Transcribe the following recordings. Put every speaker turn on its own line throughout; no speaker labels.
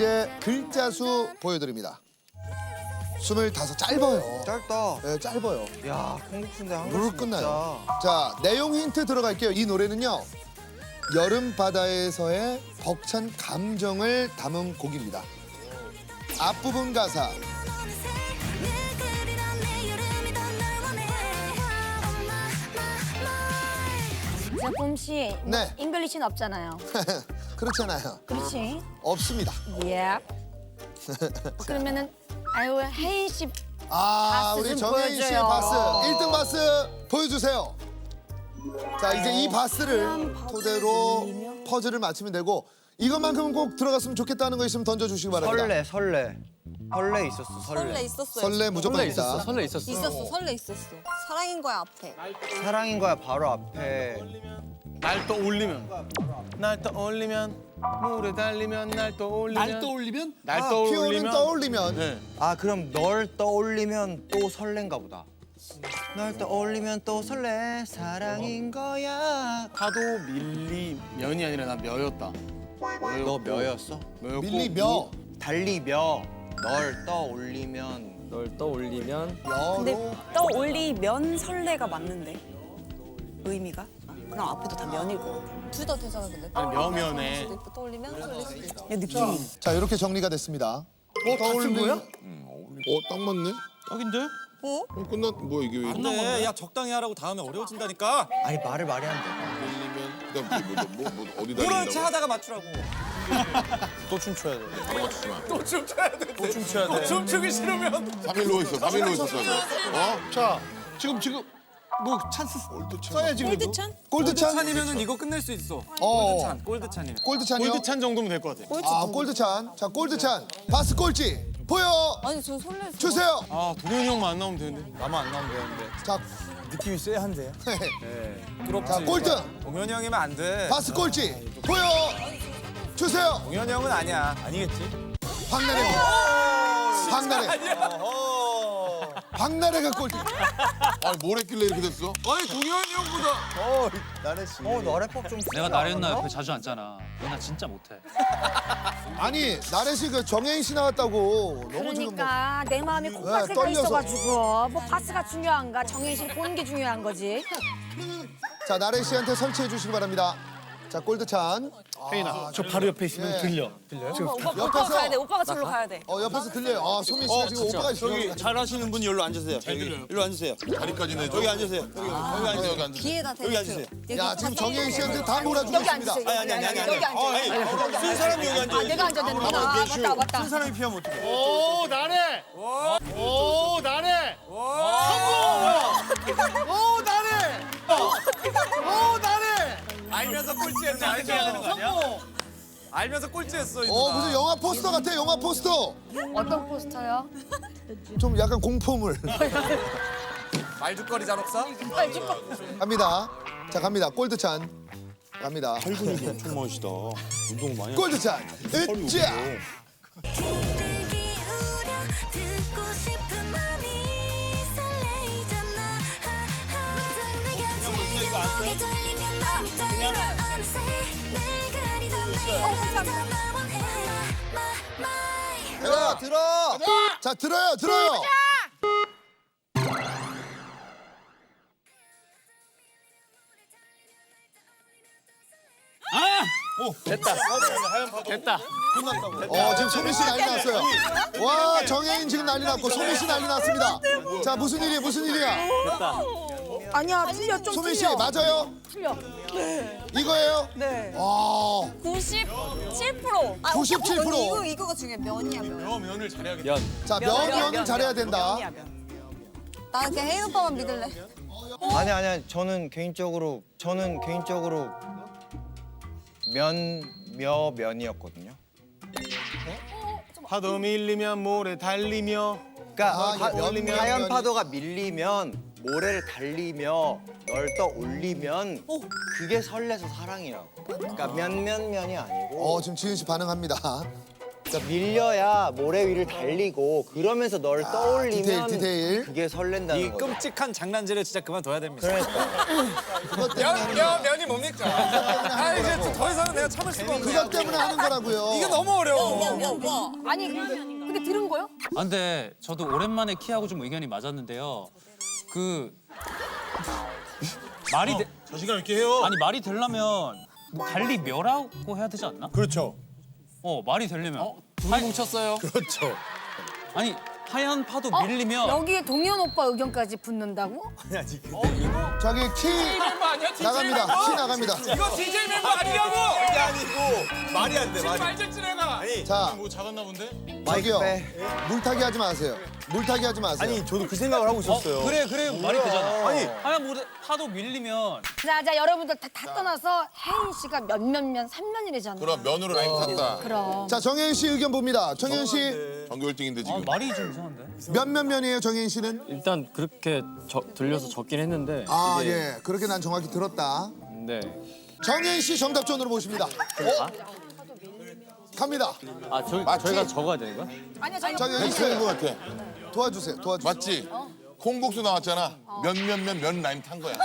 이제 글자 수 보여드립니다. 25 짧아요.
짧다.
네, 짧아요.
야, 콩국수인데 한
물
글씨
끝나요.
먹자.
자, 내용 힌트 들어갈게요. 이 노래는요. 여름 바다에서의 벅찬 감정을 담은 곡입니다. 앞부분 가사.
저 봄씨
네.
잉글리시는 없잖아요.
그렇잖아요.
그렇지?
없습니다.
예. 그러면은 아유 혜인 씨
아,
바스
우리
좀
정혜인 씨의
보여줘요.
바스. 1등 바스 보여주세요. 자, 이제 이 바스를 토대로 퍼즐을 맞추면 되고 이것만큼은 꼭 들어갔으면 좋겠다는 거 있으면 던져주시기 바랍니다.
설레 있었어,
설레 있었어요.
설레 무조건 있다.
설레 있었어.
있었어. 설레 있었어. 사랑인 거야 앞에.
사랑인 거야 바로 앞에.
날 떠올리면 물에 달리면 날 떠올리면
날 떠올리면?
날
피오는
떠올리면
떠올리면
네.
아, 그럼 널 떠올리면 또 설렌가 보다. 널 떠올리면 또 설레 사랑인 거야.
파도 밀리면이 아니라 나 며였다.
너 몇였어?
며였고
밀리며
달리며 널 떠올리면
널 떠올리면
여로
떠올리면 설레가 맞는데 의미가? 그럼 앞에도 다 면일 것 같아.
둘 다 되잖아 근데.
아니, 명연해.
떠올리면 설레 수도 있고.
그냥 느낌이.
자, 이렇게 정리가 됐습니다. 떠올린 거야?
딱 맞네.
딱인데?
어?
끝났 뭐야 이게 왜?
안돼. 야 적당히 하라고 다음에 어려워진다니까.
아니 말을 말이 안 돼.
밀리면 그다음 뭐 어디다
모른 체
밀린다고?
하다가 맞추라고.
또 춤춰야 돼.
바로 맞추지 마.
또 춤춰야 돼.
또 춤춰야 돼.
춤추기 싫으면
3일로 있어. 3일로 있었어. 어?
자, 지금
뭐 찬스
써야지 그래도.
골드찬?
골드찬?
찬이면은 이거 끝낼 수 있어.
어.
골드찬. 골드찬이면.
골드찬이요?
골드찬 정도면 될 것 같아.
아, 골드찬. 자, 골드찬. 바스 꼴찌. 보여
아니 저 설레.
주세요.
아 동현이 형만 안 나오면 되는데. 나만 안 나오면 되는데.
자,
느낌이 쎄한데.
부럽지.
자, 꼴등.
동현이 형이면 안 돼.
바스 꼴찌. 보여 주세요.
동현이 형은 아니야. 아니겠지?
박나래. 박나래. 박나래가 꼴찌.
아, 뭘 했길래 이렇게 됐어?
아니 동현이 형보다.
나래 씨. 랩법 좀.
내가 나랬나 옆에 자주 앉잖아. 나 진짜 못해.
아니, 나래 씨 그 정혜인 씨 나왔다고. 너무 지금 뭐.
그러니까 내 마음이 콩팥에 가
떨려서.
있어가지고 뭐 바스가 중요한가 정혜인 씨 보는 게 중요한 거지.
자, 나래 씨한테 설치해 주시기 바랍니다. 자, 골드찬.
혜인아, 저 바로 옆에 있으면
네.
들려.
오빠가
옆에서.
가야 돼. 오빠가 저기로 가야 돼.
옆에서 들려요. 아, 소민 씨가 지금 오빠가 있어요.
잘하시는 분이 여기로 앉으세요. 여기로 앉으세요.
다리까지 내줘.
여기 앉으세요. 여기 앉으세요.
여기 앉으세요.
뒤에다 대고.
여기 앉으세요.
야, 지금 정혜인 씨한테 다 몰아주고
여기
있습니다.
앉으세요.
아니.
여기 앉아.
쓴 사람이 여기 앉아.
아 내가 앉아야 되는구나. 아, 맞다 맞다.
쓴 사람이 피하면 어떡해?
오 나래. 오 나래.
오 나래. 오 나래. 알면서 꼴찌했네. 알면서. 알면서 꼴찌했어.
무슨 영화 포스터 같아, 영화 포스터.
어떤 포스터요?
좀 약간 공포물.
말죽거리 잔혹사?
갑니다. 자, 갑니다. 골드찬. 갑니다.
근육이 엄청 멋있다. 운동 많이.
골드찬. 으쌰.
들어.
자, 들어요.
됐다.
지금 소민 씨 난리 났어요. 와, 정혜인 지금 난리 났고 소민 씨 난리 났습니다. 자, 무슨 일이야?
아니야, 틀려 좀
소민 씨
틀려.
맞아요?
틀려.
이거예요?
네.
와,
97%.
아,
97%.
이거가 중요해. 면이야 면.
면을 잘해야겠다.
자, 면을 잘해야 된다.
면이야, 면.
나는 그냥 혜인 오빠만 믿을래.
아니야. 저는 개인적으로 면이었거든요.
파도 밀리면 모래 달리며.
그러니까
면이면
하얀 파도가 밀리면 모래를 달리며 널 떠올리면 그게 설레서 사랑이라고. 그러니까 면이 아니고.
지금 지은 씨 반응합니다.
그러니까 밀려야 모래 위를 달리고 그러면서 널 떠올리면
디테일.
그게 설렌다는
이
거죠.
끔찍한 장난질을 진짜 그만둬야 됩니다.
그것 때문에 하는 거야.
면이 뭡니까? 아 이제 더 이상은 내가 참을 수가 없네.
그것 때문에 하는 거라고요.
이게 너무 어려워.
아니 근데 들은 거요?
아, 근데 저도 오랜만에 키하고 좀 의견이 맞았는데요. 그 말이
저 시간 이렇게 해요.
아니 말이 되려면 달리 멸하고 해야 되지 않나?
그렇죠.
말이 되려면.
둘이 뭉쳤어요.
그렇죠.
아니 하얀 파도 밀리면
여기에 동현 오빠 의견까지 붙는다고?
저기 키 나갑니다. 키 나갑니다.
이거 DJ 멤버 아니냐고! 이게 아니고 말이 안 돼. 말질질 해가. 아니
자,
뭐 작았나 본데?
저기요. 물타기 하지 마세요. 물타기 하지 마세요.
아니 저도 그 생각을 하고 있었어요.
그래 말이 되잖아.
아니.
하얀 파도 밀리면
자 여러분들 다 떠나서 혜인 씨가 몇몇면 3년이래잖아.
그럼 면으로 라인 탔다.
그럼.
자, 정혜인 씨 의견 봅니다. 정혜인 씨
전교 1등인데 지금.
말이 좀 이상한데?
몇 면이에요, 정혜인 씨는?
일단 그렇게 들려서 적긴 했는데
아, 예. 그렇게 난 정확히 들었다.
네.
정혜인 씨 정답전으로 모십니다. 갑니다.
맞지?
저희가 적어야 되는 거야?
아니야 저희
정혜인 씨
것 같아.
도와주세요.
맞지? 콩국수 나왔잖아. 면 라인 탄 거야.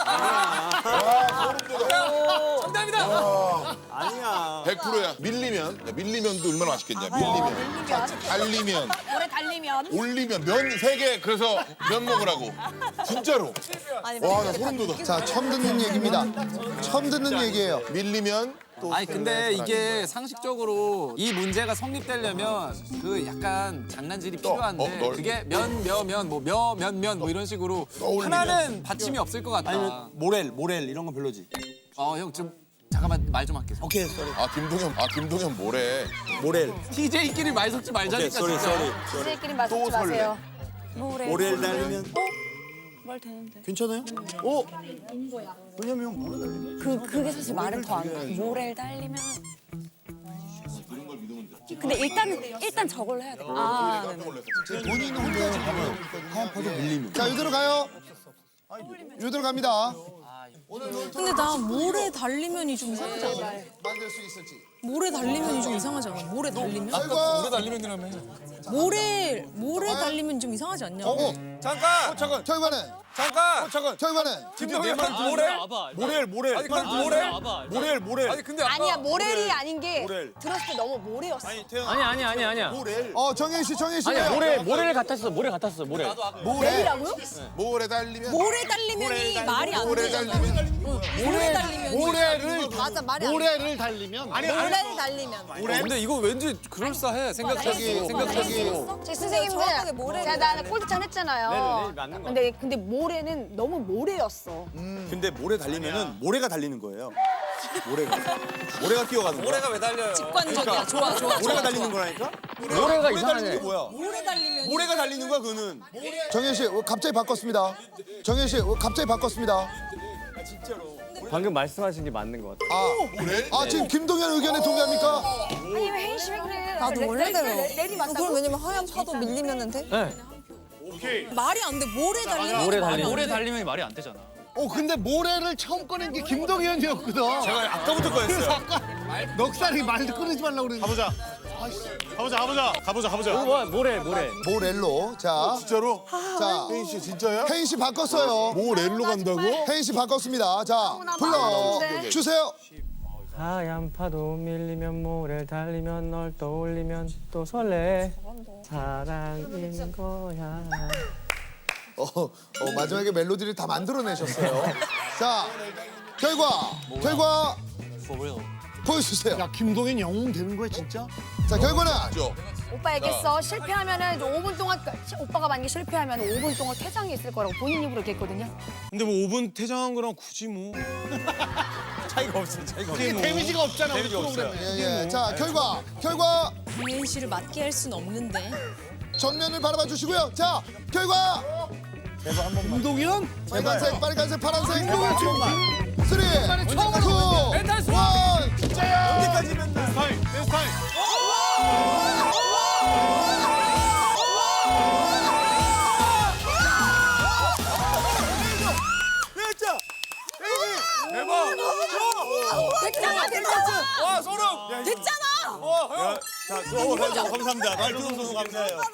정답이다.
아니야. 100%야. 밀리면도 얼마나 맛있겠냐. 달리면,
오래 달리면
올리면 면 3개 그래서 면 먹으라고. 진짜로. 와, 나 소름 돋아.
자, 처음 듣는 얘기입니다. 처음 듣는 얘기예요.
밀리면
아니 근데 이게 상식적으로 이 문제가 성립되려면 그 약간 장난질이 필요한데
널.
그게 면 뭐 이런 식으로
떠올리면.
하나는 받침이 없을 것 같다.
모렐 이런 건 별로지.
형 좀 잠깐만 말 좀 할게.
오케이 쏘리.
김동현 뭐래.
모렐.
TJ끼리 말 섞지 말자니까 진짜.
선생님끼리 말씀 지 마세요.
모렐 달리면
말 되는데.
괜찮아요? 왜냐면 모렐 달리면.
그게 사실 말은 더 안 돼. 모래를 달리면. 근데 일단 저걸로 해야 돼. 아, 네네.
본인 혼자 지금 하얀 파도 밀리면. 자, 이대로 가요. 이대로 갑니다.
근데 나 모래 달리면이 좀 이상하지 않아?
만들 수 있을지.
모래 달리면이 좀 이상하지 않아? 모래 달리면?
결과
달리면이라며.
모래 달리면 좀 이상하지 않냐?
잠깐.
결과는 결과는
김동현 모렐. 아니 근데 모렐. 아니 근데
아니야 모렐이 아닌 게 들었을 때 너무 모래였어.
아니야.
정혜인 씨
모래를 같았어. 모래.
모래라고요?
모래 달리면.
모래 달리면이 말이 안 되잖아. 모래 달리면.
맞아 말이 안 돼.
모래를 달리면
모래를 달리면.
근데 이거 왠지 그럴싸해. 생각해도.
제 선생님들
정확하게 모래를
제가 나는 꼴찌찬 했잖아요. 근데 모래는 너무 모래였어.
근데 모래 달리면은 모래가 달리는 거예요. 모래가 뛰어가는 거야.
모래가 왜 달려요?
직관적이야. 좋아.
모래가 달리는 거라니까?
모래가
달리는 게 뭐야?
모래 달리면.
모래가 달리는 거야 그거는.
정혜인 씨 갑자기 바꿨습니다. 정혜인 씨 갑자기 바꿨습니다.
방금 말씀하신 게 맞는 것 같아요.
지금 김동현 의견에 동의합니까?
아니 왜 혜인 씨 왜 그래?
나도 원래대로.
내리
그럼
맞다고?
왜냐면 하얀 파도 밀리면은 돼?
말이 안 돼. 모래 달리면.
모래 달리면 말이 안 되잖아.
근데 모래를 처음 꺼낸 게 김동현이었거든.
제가 아까부터 거였어요.
넉살이 말도 끊지 말라고 그랬는데. 가보자.
모래.
모렐로. 자,
진짜로?
자,
혜인 씨 진짜야?
혜인 씨 바꿨어요.
모렐로 간다고?
혜인 씨 바꿨습니다. 자, 불러 주세요.
하얀 파도 밀리면 모래를 달리면 널 떠올리면 또 설레. 사랑인 거야.
마지막에 멜로디를 다 만들어내셨어요. 자, 결과 보여주세요.
야 김동현 영웅 되는 거야 진짜?
자, 결과는
오빠 얘기했어. 실패하면은 이제 5분 동안 오빠가 만약에 실패하면 5분 동안 퇴장이 있을 거라고 본인 입으로 얘기했거든요.
근데 뭐 5분 퇴장한 거랑 굳이 뭐
차이가 없어.
데미지가 없잖아. 우리
데미지가 없어요.
프로그램에.
예. 자, 결과
혜인 씨를 맞게 할 순 없는데.
정면을 바라봐 주시고요. 자, 결과
김동현?
빨간색, 파란색. 3, 2, 1.
진짜야.
여기까지 맨날.
내 스타일.
대박.
됐잖아.
와 소름.
됐잖아.
형. 자, 감사합니다. 말투 감사해요.